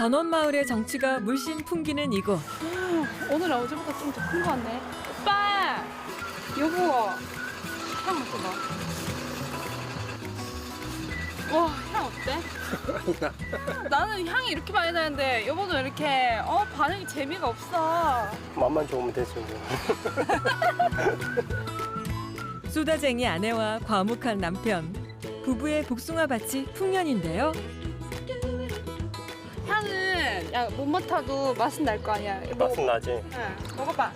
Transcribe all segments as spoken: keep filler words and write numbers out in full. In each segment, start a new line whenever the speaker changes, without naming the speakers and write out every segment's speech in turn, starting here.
전원마을의 정취가 물씬 풍기는 이곳.
오늘 어제보다 좀 더 큰 거 같네. 오빠! 여보! 향 맡아봐. 와, 향 어때? 나는 향이 이렇게 많이 나는데 여보는 왜 이렇게 어 반응이 재미가 없어.
맛만 좋으면 되죠. 뭐.
쏘다쟁이 아내와 과묵한 남편. 부부의 복숭아밭이 풍년인데요.
향은 야, 못 맡아도 맛은 날 거 아니야. 여보,
맛은 나지.
응, 먹어봐.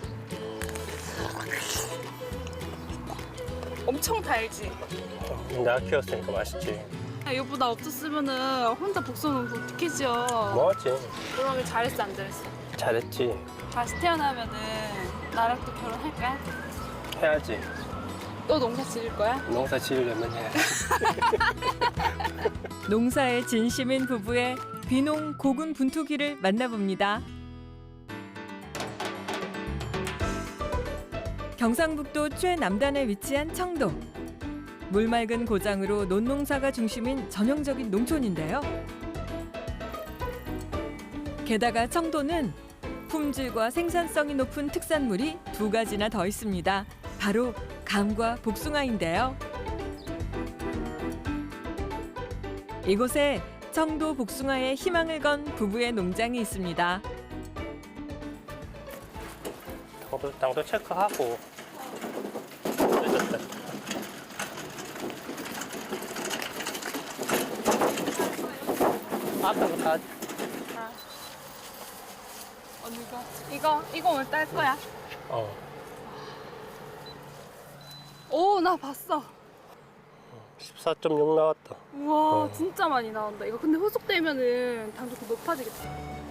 엄청 달지?
내가 키웠으니까 맛있지.
야, 여보 나 없었으면은 혼자 복숭아 먹고 어떡해죠?
뭐하지?
그러면 잘했어 안 잘했어?
잘했지.
다시 태어나면은 나랑 또 결혼할까?
해야지.
또 농사 지을 거야?
농사 지으려면 해.
농사에 진심인 부부의 귀농 고군분투기를 만나봅니다. 경상북도 최남단에 위치한 청도. 물맑은 고장으로 논농사가 중심인 전형적인 농촌인데요. 게다가 청도는 품질과 생산성이 높은 특산물이 두 가지나 더 있습니다. 바로 감과 복숭아인데요. 이곳에 청도 복숭아에 희망을 건 부부의 농장이 있습니다.
당도, 당도 체크하고. 늦었다. 아까 그거 다
아. 언니 이거 이거 이거 오늘 딸 거야?
어.
오 나 봤어.
십사 점 육 나왔다.
우와
어.
진짜 많이 나온다. 이거 근데 후숙되면은 당도 더 높아지겠다.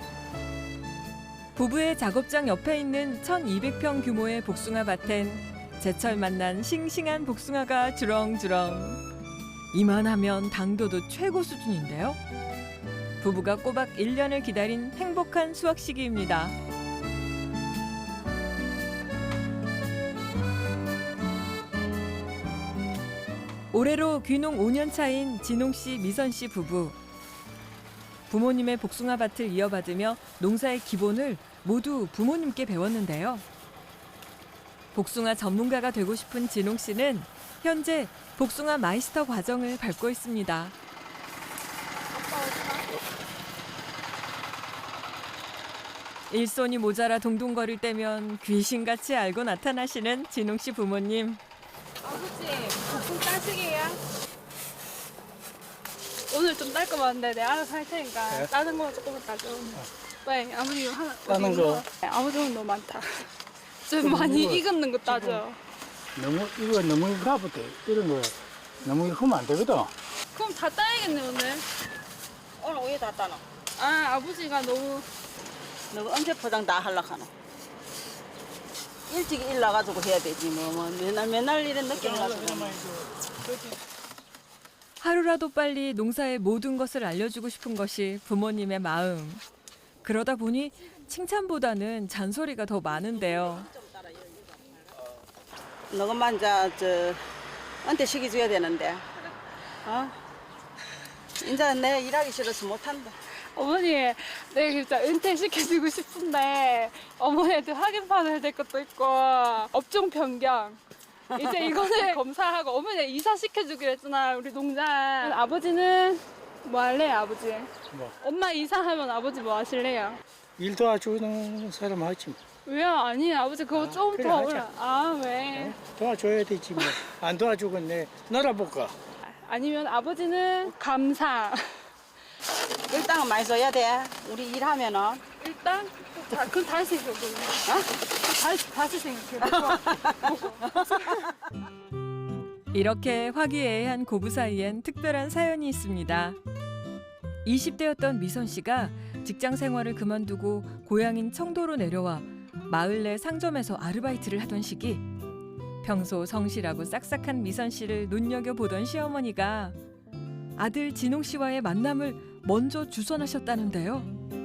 부부의 작업장 옆에 있는 천이백 평 규모의 복숭아 밭엔 제철 만난 싱싱한 복숭아가 주렁주렁. 이만하면 당도도 최고 수준인데요. 부부가 꼬박 일 년을 기다린 행복한 수확 시기입니다. 올해로 귀농 오 년 차인 진홍 씨, 미선 씨 부부. 부모님의 복숭아 밭을 이어받으며 농사의 기본을 모두 부모님께 배웠는데요. 복숭아 전문가가 되고 싶은 진홍 씨는 현재 복숭아 마이스터 과정을 밟고 있습니다. 일손이 모자라 동동거릴 때면 귀신같이 알고 나타나시는 진홍 씨 부모님.
아버지 복숭 따시게야? 오늘 좀 딸 거 많은데 내가 알아서 할 테니까
네?
따는 거 조금만 따줘. 왜 아버지 이거 하나
따는
어디
거?
네, 아버지 오늘 너무 많다. 좀
좀
많이
이거
익었는 거 따줘.
너무 이거 너무 가부터 이런 거 너무 하면 안 되거든.
그럼 다 따야겠네 오늘.
오늘 왜 다 따노?
아 아버지가 너무
너 언제 포장 다 하려고 하노? 일찍 일 나가지고 해야 되지 뭐, 뭐 맨날 맨날 이런 늦게 나가지고
하루라도 빨리 농사의 모든 것을 알려주고 싶은 것이 부모님의 마음. 그러다 보니 칭찬보다는 잔소리가 더 많은데요.
너것만 저, 저 언제 시기 줘야 되는데 어? 이제 내 일하기 싫어서 못한다.
어머니 내가 진짜 은퇴시켜주고 싶은데 어머니한테 확인 받아야 될 것도 있고 업종 변경 이제 이거는 검사하고 어머니 이사 시켜주기로 했잖아 우리 농장. 아버지는 뭐 할래요 아버지?
뭐?
엄마 이사하면 아버지 뭐 하실래요?
일 도와주는 사람 하지 뭐.
왜요? 아니 아버지 그거
아,
좀
그래,
더
하자.
올라. 아 왜?
어? 도와줘야 되지 뭐. 안 도와주건 내 놀아볼까.
아니면 아버지는 감사.
일당은 많이 줘야 돼. 우리 일하면은
일단 다, 그럼 다시 생각해. 어? 다시 다시 생각해.
이렇게 화기애애한 고부 사이엔 특별한 사연이 있습니다. 이십 대였던 미선 씨가 직장 생활을 그만두고 고향인 청도로 내려와 마을 내 상점에서 아르바이트를 하던 시기 평소 성실하고 싹싹한 미선 씨를 눈여겨보던 시어머니가 아들 진홍 씨와의 만남을 먼저 주선하셨다는데요.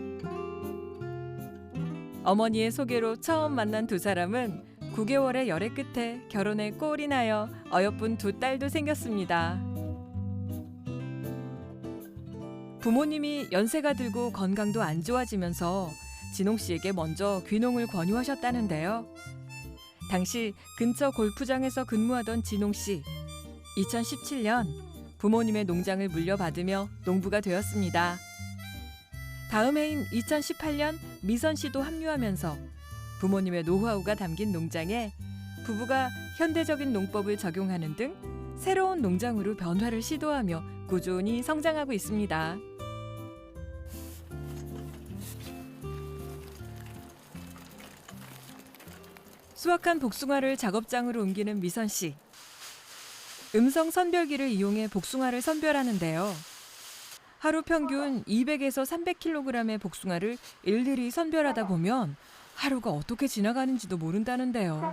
어머니의 소개로 처음 만난 두 사람은 구 개월의 열애 끝에 결혼에 꼴이 나여 어여쁜 두 딸도 생겼습니다. 부모님이 연세가 들고 건강도 안 좋아지면서 진홍 씨에게 먼저 귀농을 권유하셨다는데요. 당시 근처 골프장에서 근무하던 진홍 씨. 이천십칠 년 부모님의 농장을 물려받으며 농부가 되었습니다. 다음 해인 이천십팔 년 미선 씨도 합류하면서 부모님의 노하우가 담긴 농장에 부부가 현대적인 농법을 적용하는 등 새로운 농장으로 변화를 시도하며 꾸준히 성장하고 있습니다. 수확한 복숭아를 작업장으로 옮기는 미선 씨. 음성 선별기를 이용해 복숭아를 선별하는데요. 하루 평균 이백에서 삼백 킬로그램의 복숭아를 일일이 선별하다 보면 하루가 어떻게 지나가는지도 모른다는데요.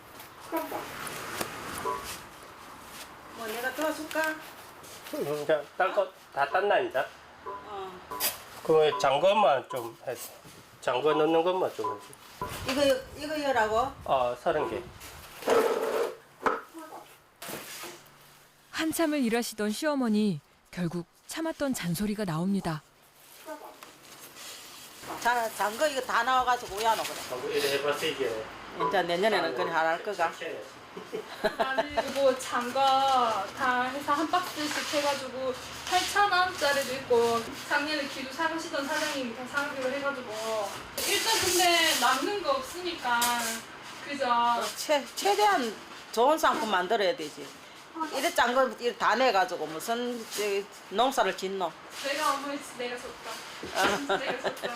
뭐 내가 도와줄까?
그냥 딴거 다 땄나 이제?
어.
그럼 장것만 좀 해서 장거 넣는 것만 좀 해줘.
이거 이거 열하고
어 서른 개.
한참을 일하시던 시어머니 결국 참았던 잔소리가 나옵니다.
자, 장거 이거 다 나와가지고 우야노 그래.
장거 이래 해봤어 이게.
이제 내년에는 그냥 안 할 거가.
나는 이거 장가 다 해서 한 박스씩 해가지고 팔천 원짜리도 있고 작년에 기도 사가시던 사장님이 다 사기로 해가지고 일단 근데 남는 거 없으니까 그죠?
최 최대한 좋은 상품 만들어야 되지. 이래 짠거 다 내가지고 무슨 저기 농사를 짓노?
내가 어머니 내가 줬다. 내가 줬다.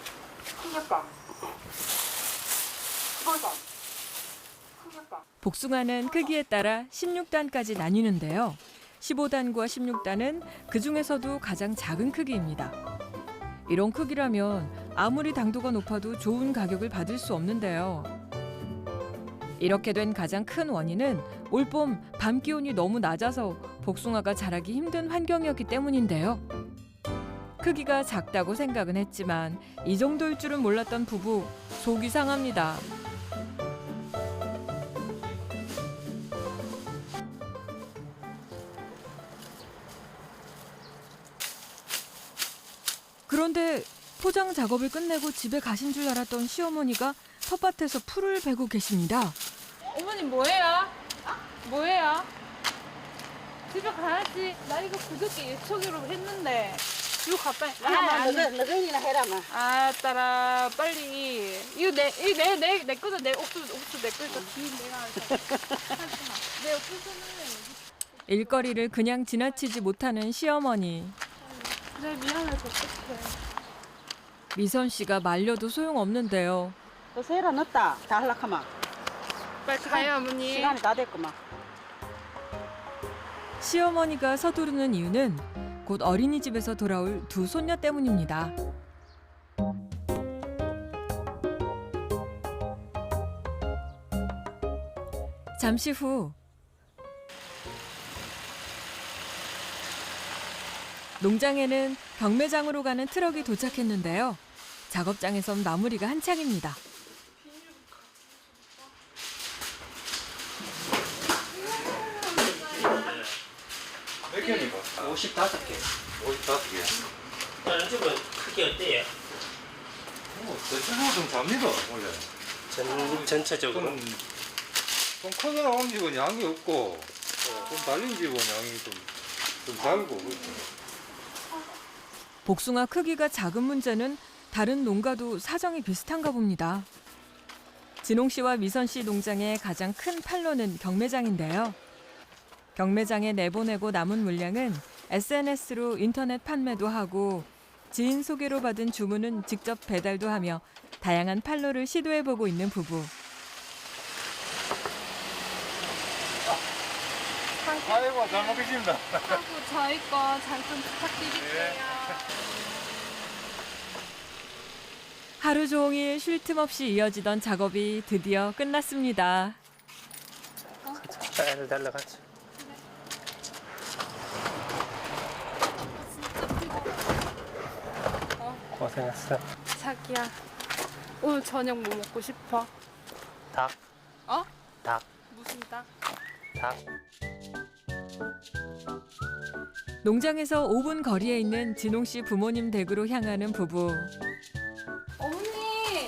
복숭아는 크기에 따라 십육 단까지 나뉘는데요. 십오 단과 십육 단은 그 중에서도 가장 작은 크기입니다. 이런 크기라면 아무리 당도가 높아도 좋은 가격을 받을 수 없는데요. 이렇게 된 가장 큰 원인은 올봄 밤 기온이 너무 낮아서 복숭아가 자라기 힘든 환경이었기 때문인데요. 크기가 작다고 생각은 했지만 이 정도일 줄은 몰랐던 부부, 속이 상합니다. 그런데 포장 작업을 끝내고 집에 가신 줄 알았던 시어머니가 텃밭에서 풀을 베고 계십니다.
어머니 뭐해요? 뭐해요? 집에 가야지. 나 이거 그저께 예초기로 했는데 이거 갖다
아, 너가 너가이나 해라마.
아, 따라 빨리. 이거 내, 이거 내, 내, 내 거다. 내 옥수수, 옥수수 내 거니까 뒤 내가 하자. 내 옥수수는
일거리를 그냥 지나치지 못하는 시어머니.
그래 미안해서 어떡해.
미선 씨가 말려도 소용없는데요.
너 세라 넣었다. 다 할락하마.
빨리 가요 어머니.
시간이 다 됐구만.
시어머니가 서두르는 이유는 곧 어린이집에서 돌아올 두 손녀 때문입니다. 잠시 후 농장에는 경매장으로 가는 트럭이 도착했는데요. 작업장에선 마무리가 한창입니다.
몇 개입니까?
오십오 개.
오십다섯 개.
다른 집은 크기 어때요?
뭐, 대체적으로 좀 잡니다, 원래.
전 전체적으로.
좀, 좀 크게 나온 집은 양이 없고, 좀 달린 집은 양이 좀, 좀 달고, 그렇죠.
복숭아 크기가 작은 문제는 다른 농가도 사정이 비슷한가 봅니다. 진홍 씨와 미선 씨 농장의 가장 큰 판로는 경매장인데요. 경매장에 내보내고 남은 물량은 에스엔에스로 인터넷 판매도 하고 지인 소개로 받은 주문은 직접 배달도 하며 다양한 판로를 시도해보고 있는 부부.
아이고, 잘 먹겠습니다.
하고 저희 거 잘 좀 부탁드릴게요.
하루 종일 쉴 틈 없이 이어지던 작업이 드디어 끝났습니다.
애들 달라가지. 고생했어.
자기야 오늘 저녁 뭐 먹고 싶어?
닭.
어?
닭.
무슨 닭?
닭.
농장에서 오 분 거리에 있는 진홍 씨 부모님 댁으로 향하는 부부.
어머니!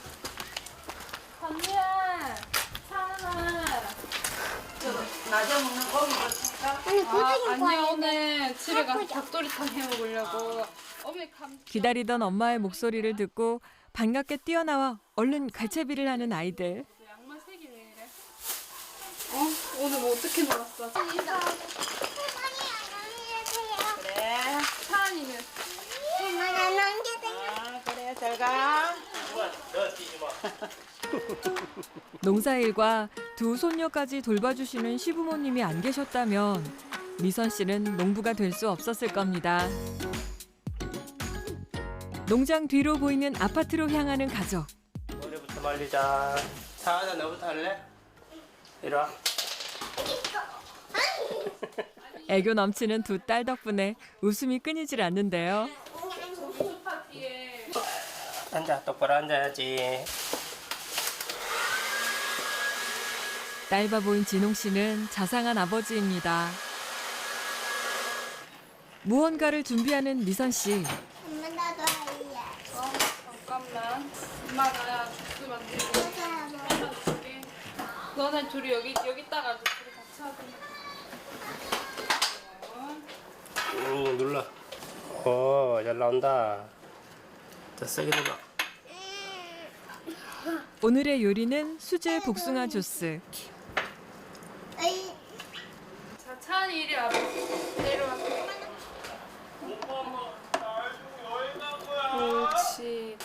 언니야! 차은아!
낮에 먹는 고기도 줄까?
아, 아니야, 오늘 집에 가서 닭도리탕 해 먹으려고. 어머니 감.
기다리던 엄마의 목소리를 듣고 반갑게 뛰어나와 얼른 갈채비를 하는 아이들.
양말 색이 왜 이래? 어? 오늘 뭐 어떻게 놀았어?
그래.
차은이는?
아, 그래, 잘 가.
너 뛰지 마.
농사일과 두 손녀까지 돌봐주시는 시부모님이 안 계셨다면 미선 씨는 농부가 될 수 없었을 겁니다. 농장 뒤로 보이는 아파트로 향하는 가족.
머리부터 말리자. 차하나 너부터 할래? 이리 와.
애교 넘치는 두 딸 덕분에 웃음이 끊이질 않는데요.
파티에
앉아, 똑바로 앉아야지.
딸 바보인 진홍 씨는 자상한 아버지입니다. 무언가를 준비하는 미선 씨.
엄마 나도 할래.
어? 잠깐만. 엄마가 주스 만들고 해줄게. 너네 둘이 여기 여기 있다가 둘이 같이 하자.
응, 눌러. 오, 잘 나온다. 자, 세게 눌러.
오늘의 요리는 수제 복숭아 주스.
어이,
자, 차은이 이리 와봐. 내려와. 그렇지.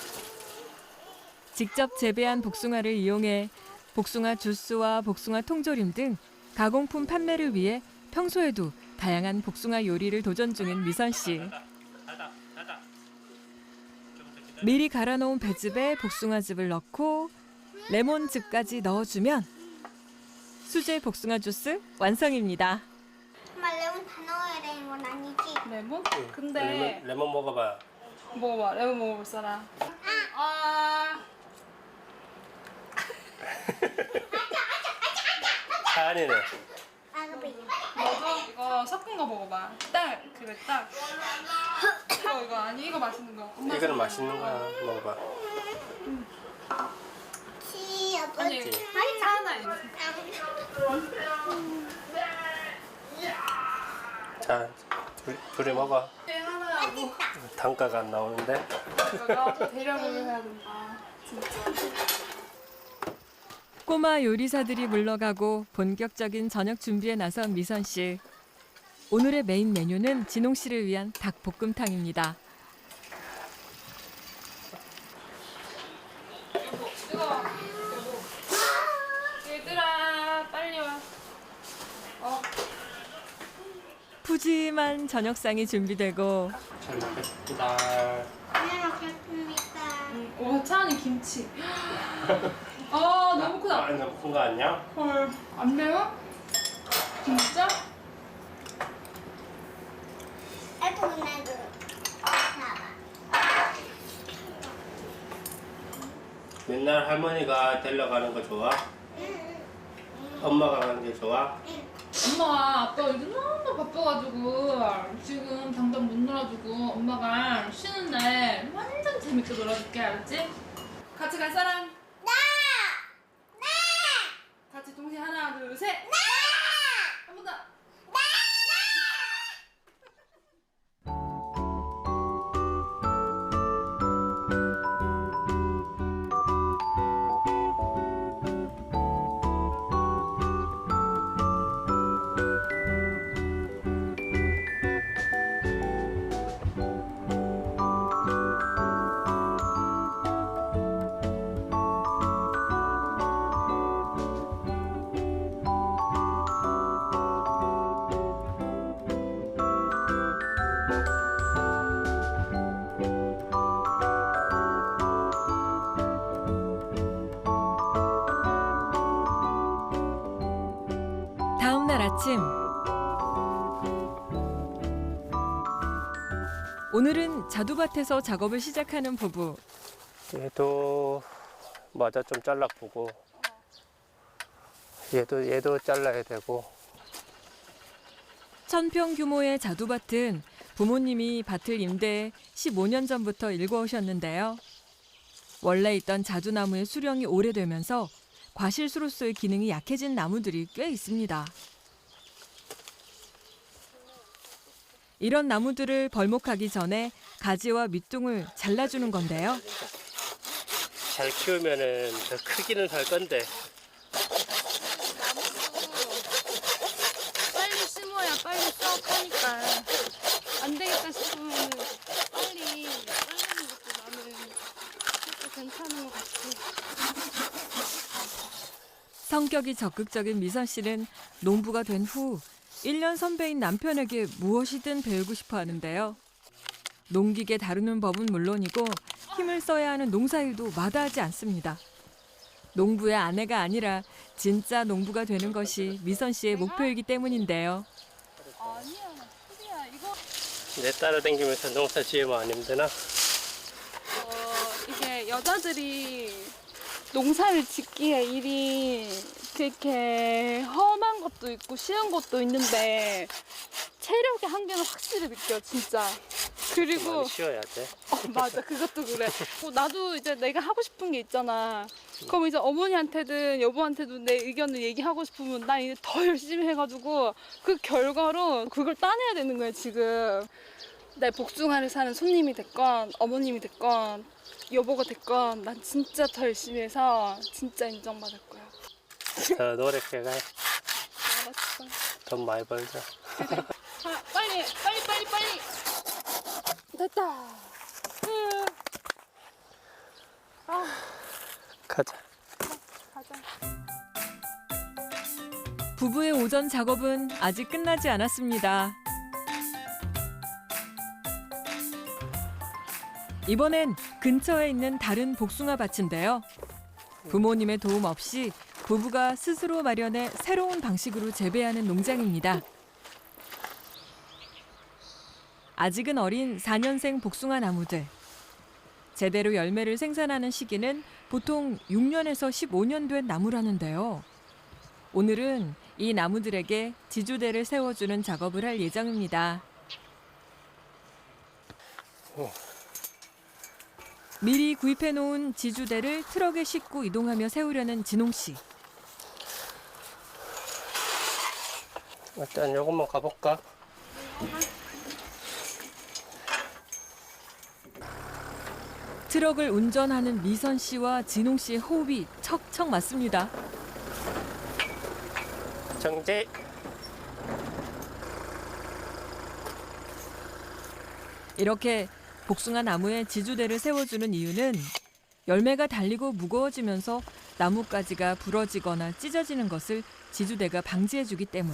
직접 재배한 복숭아를 이용해 복숭아 주스와 복숭아 통조림 등 가공품 판매를 위해 평소에도 다양한 복숭아 요리를 도전 중인 미선 씨. 미리 갈아놓은 배즙에 복숭아즙을 넣고 레몬즙까지 넣어주면 수제 복숭아 주스 완성입니다.
엄마 레몬 다 넣어야 되는 건 아니지?
레몬? 근데
레몬, 레몬 먹어봐.
먹어봐. 레몬 먹어볼 사람. 아.
차안이네.
아가비.
너도 이거 섞은 거 먹어봐. 딸, 그래 딸. 이거 이거 아니 이거 맛있는 거. 엄마
이거는
좋아하는
맛있는
거.
거야. 먹어봐.
치, 아빠.
아니 하나 이거.
자, 둘, 둘이 먹어.
하나 뭐
단가가 안 나오는데.
이거가 대량으로 해야 된다. 진짜.
꼬마 요리사들이 물러가고 본격적인 저녁 준비에 나선 미선 씨. 오늘의 메인 메뉴는 진홍 씨를 위한 닭볶음탕입니다.
여보, 뜨거워. 여보. 얘들아, 빨리 와. 어,
푸짐한 저녁상이 준비되고
잘 먹겠습니다.
네, 먹겠습니다.
음, 오 차은이 김치. 아 너무 크다.
아, 너무 큰 거 아니야?
헐, 안 매워? 진짜?
애도 나도. 봐봐.
맨날 할머니가 데려가는 거 좋아? 엄마가 가는 게 좋아?
엄마, 아빠 요즘 너무 바빠가지고 지금 당장 못 놀아주고 엄마가 쉬는 날 완전 재밌게 놀아줄게, 알았지? 같이 갈 사람?
나! 나!
같이 동시에 하나, 둘, 셋! 나! 한 번 더!
다음 날 아침 오늘은 자두밭에서 작업을 시작하는 부부.
얘도 맞아 좀 잘라보고 얘도 얘도 잘라야 되고
천평 규모의 자두밭은 부모님이 밭을 임대해 십오 년 전부터 일궈오셨는데요. 원래 있던 자두나무의 수령이 오래되면서 과실수로서의 기능이 약해진 나무들이 꽤 있습니다. 이런 나무들을 벌목하기 전에 가지와 밑둥을 잘라주는 건데요.
잘 키우면은 더 크기는 할 건데
빨리 심어야 빨리 수확하니까 안 되겠다 싶으면 빨리 자르는 것도 나는 그것도 괜찮은 것 같아.
성격이 적극적인 미선 씨는 농부가 된 후 일 년 선배인 남편에게 무엇이든 배우고 싶어 하는데요. 농기계 다루는 법은 물론이고 힘을 써야 하는 농사일도 마다하지 않습니다. 농부의 아내가 아니라 진짜 농부가 되는 것이 미선 씨의 목표이기 때문인데요.
아니야, 소리야. 이거
내 따라다니면서 농사 지으면 안 힘드나?
어, 이게 여자들이 농사를 짓기에 일이 그렇게 험한 것도 있고 쉬운 것도 있는데 체력의 한계는 확실히 느껴, 진짜. 그리고
많이 쉬어야 돼.
어, 맞아, 그것도 그래. 어, 나도 이제 내가 하고 싶은 게 있잖아. 그럼 이제 어머니한테든 여보한테도 내 의견을 얘기하고 싶으면 나 이제 더 열심히 해가지고 그 결과로 그걸 따내야 되는 거야, 지금. 내 복숭아를 사는 손님이 됐건 어머님이 됐건 여보가 됐건 난 진짜 더 열심히 해서 진짜 인정받을 거야.
더 노력해가
알았어.
돈 많이 벌자.
아, 빨리 빨리 빨리 빨리. 됐다. 으. 아,
가자.
가자.
부부의 오전 작업은 아직 끝나지 않았습니다. 이번엔 근처에 있는 다른 복숭아 밭인데요. 부모님의 도움 없이 부부가 스스로 마련해 새로운 방식으로 재배하는 농장입니다. 아직은 어린 사 년생 복숭아 나무들. 제대로 열매를 생산하는 시기는 보통 육 년에서 십오 년 된 나무라는데요. 오늘은 이 나무들에게 지주대를 세워주는 작업을 할 예정입니다. 미리 구입해놓은 지주대를 트럭에 싣고 이동하며 세우려는 진홍 씨.
일단 요것만 가볼까?
트럭을 운전하는 미선 씨와 진홍 씨의 호흡이 척척 맞습니다.
정지.
이렇게 복숭아 나무에 지주대를 세워주는 이유는 열매가 달리고 무거워지면서 나뭇가지가 부러지거나 찢어지는 것을 지주대가 방지해주기 때문.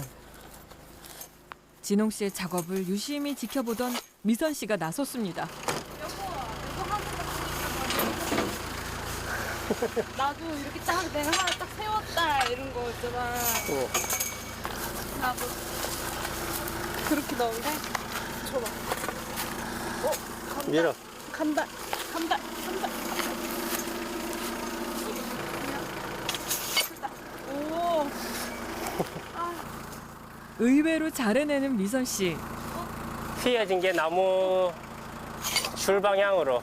진홍 씨의 작업을 유심히 지켜보던 미선 씨가 나섰습니다.
나도 이렇게 딱 내가 하나 딱 세웠다 이런 거 있잖아.
어.
나도 그렇게 넣을래? 줘봐. 어, 간다.
밀어.
간다. 간다. 간다. 됐다. 오.
의외로 잘 해내는 미선 씨.
휘어진 게 나무 줄 방향으로.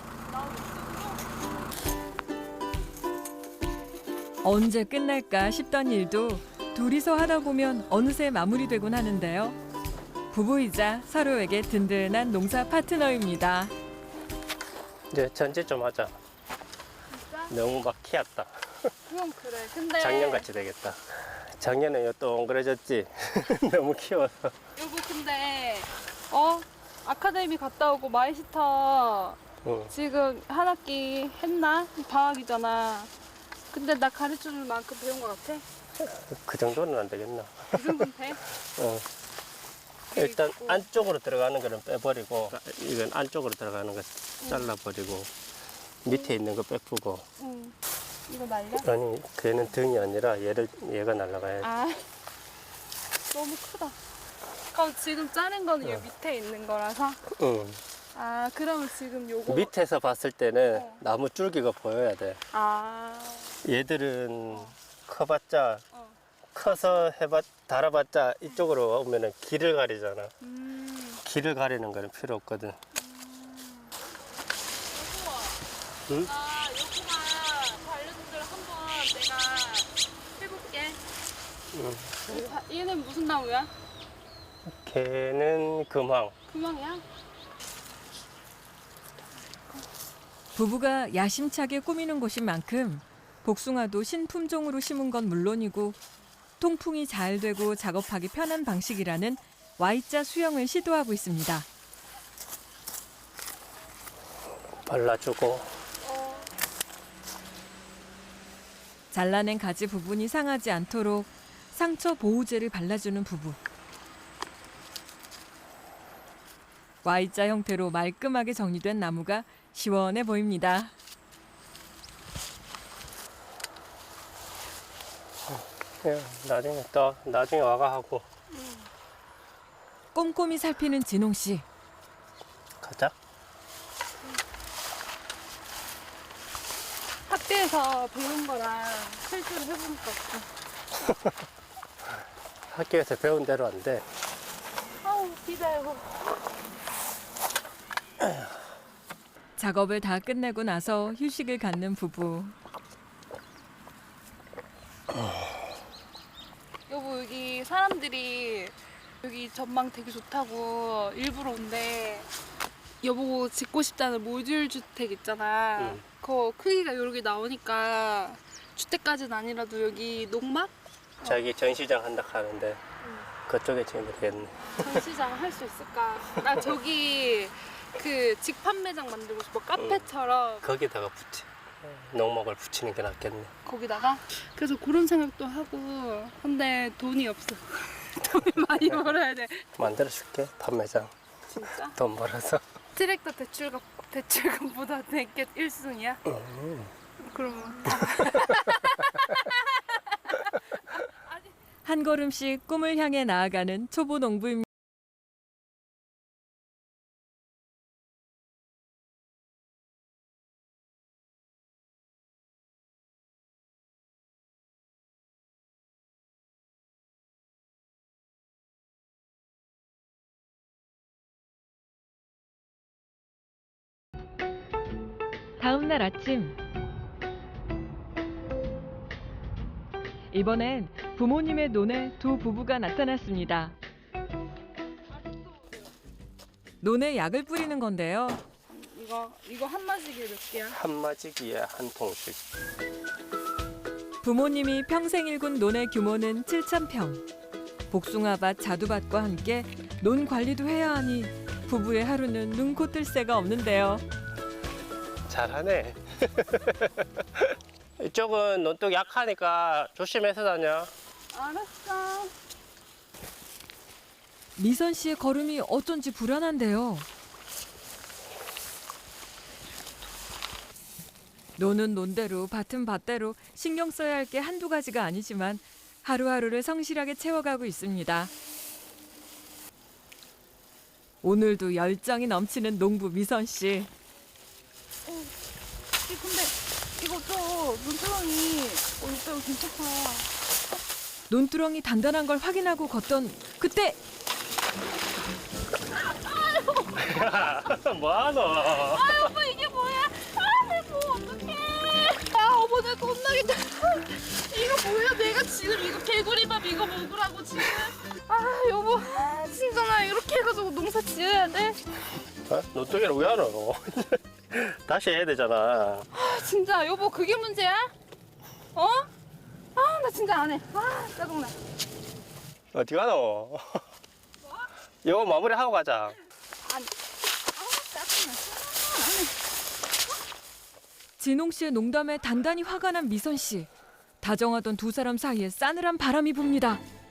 언제 끝날까 싶던 일도 둘이서 하다 보면 어느새 마무리되곤 하는데요. 부부이자 서로에게 든든한 농사 파트너입니다.
이제 전제 좀 하자.
진짜?
너무 막 키웠다.
그건 그래. 근데
작년같이 되겠다. 작년에 또 엉그러졌지. 너무 키워서.
여보 근데 어 아카데미 갔다 오고 마이스터
응.
지금 한 학기 했나? 방학이잖아. 근데 나 가르쳐줄 만큼 배운 것 같아?
그 정도는 안 되겠나?
그 정도는 돼?
어. 일단
그리고-
안쪽으로 들어가는 거는 빼버리고 이건 안쪽으로 들어가는 거 잘라버리고 밑에 있는 거 빼프고
응. 이거 날려?
아니 걔는 등이 아니라 얘를 얘가 날라가야 돼.
아 너무 크다. 그럼 지금 자른 거는
어.
요 밑에 있는 거라서?
응.
아 그러면 지금 요거
밑에서 봤을 때는
어.
나무 줄기가 보여야 돼.
아
얘들은 커봤자
어.
커서 해봤 달아봤자 이쪽으로 오면은 길을 가리잖아.
음.
길을 가리는 거는 필요 없거든. 응?
아, 여기가 반려동들 한번 내가 해볼게.
응.
이 바- 얘는 무슨 나무야?
걔는 금황.
금왕이야?
부부가 야심차게 꾸미는 곳인 만큼 복숭아도 신품종으로 심은 건 물론이고 통풍이 잘 되고 작업하기 편한 방식이라는 Y자 수영을 시도하고 있습니다.
발라주고.
잘라낸 가지 부분이 상하지 않도록 상처 보호제를 발라주는 부부. Y자 형태로 말끔하게 정리된 나무가 시원해 보입니다.
그냥 나중에 또 나중에 와가 하고
꼼꼼히 살피는 진홍 씨.
가자.
학교에서 배운 거랑 실제로 해보니까 없어.
학교에서 배운 대로 안 돼.
아우, 기다려.
작업을 다 끝내고 나서 휴식을 갖는 부부.
여보, 여기 사람들이 여기 전망 되게 좋다고 일부러 온대. 여보 짓고 싶다는 모듈 주택 있잖아.
응.
그거 크기가 이렇게 나오니까 주택까지는 아니라도 여기 농막?
자기 전시장 한다 하는데 그쪽에 지금 되겠네.
전시장 할 수 있을까? 나 저기 그 직판매장 만들고 싶어. 카페처럼
거기다가 붙이 농목을 붙이는 게 낫겠네.
거기다가. 그래서 그런 생각도 하고. 근데 돈이 없어. 돈이 많이 벌어야 돼.
만들어줄게 판매장.
진짜?
돈 벌어서.
트랙터 대출금 대출금보다 내게 일 순위야?
음.
그러면
한 걸음씩 꿈을 향해 나아가는 초보 농부입니다. 다음 날 아침. 이번엔 부모님의 논에 두 부부가 나타났습니다. 논에 약을 뿌리는 건데요.
이거 이거 한 마시기에 몇 개야?
한 마지기에 한 통씩.
부모님이 평생 일군 논의 규모는 칠천 평. 복숭아밭, 자두밭과 함께 논 관리도 해야 하니 부부의 하루는 눈코 뜰 새가 없는데요.
잘하네. 이쪽은 논둑 약하니까 조심해서 다녀.
알았어.
미선 씨의 걸음이 어쩐지 불안한데요. 논은 논대로, 밭은 밭대로 신경 써야 할 게 한두 가지가 아니지만 하루하루를 성실하게 채워가고 있습니다. 오늘도 열정이 넘치는 농부 미선 씨.
근데 이거 좀 눈두렁이 어 이거 괜찮다.
논두렁이 단단한 걸 확인하고 걷던 그때
뭐하노?
아 여보 이게 뭐야? 아내뭐 어떡해? 아 어머 내가 혼나겠다. 이거 뭐야? 내가 지금 이거 개구리밥 이거 먹으라고 지금. 아 여보 아, 진짜 나 이렇게 해가지고 농사 지어야 돼?
어? 논둑이를 왜 하노? 다시 해야 되잖아.
아 진짜 여보 그게 문제야? 어? 아 나 진짜 안 해. 아 짜증나.
어디 가노? 이거 마무리하고 가자.
아니. 아 짜증나. 안 해.
진홍 씨의 농담에 단단히 화가 난 미선 씨. 다정하던 두 사람 사이에 싸늘한 바람이 붑니다.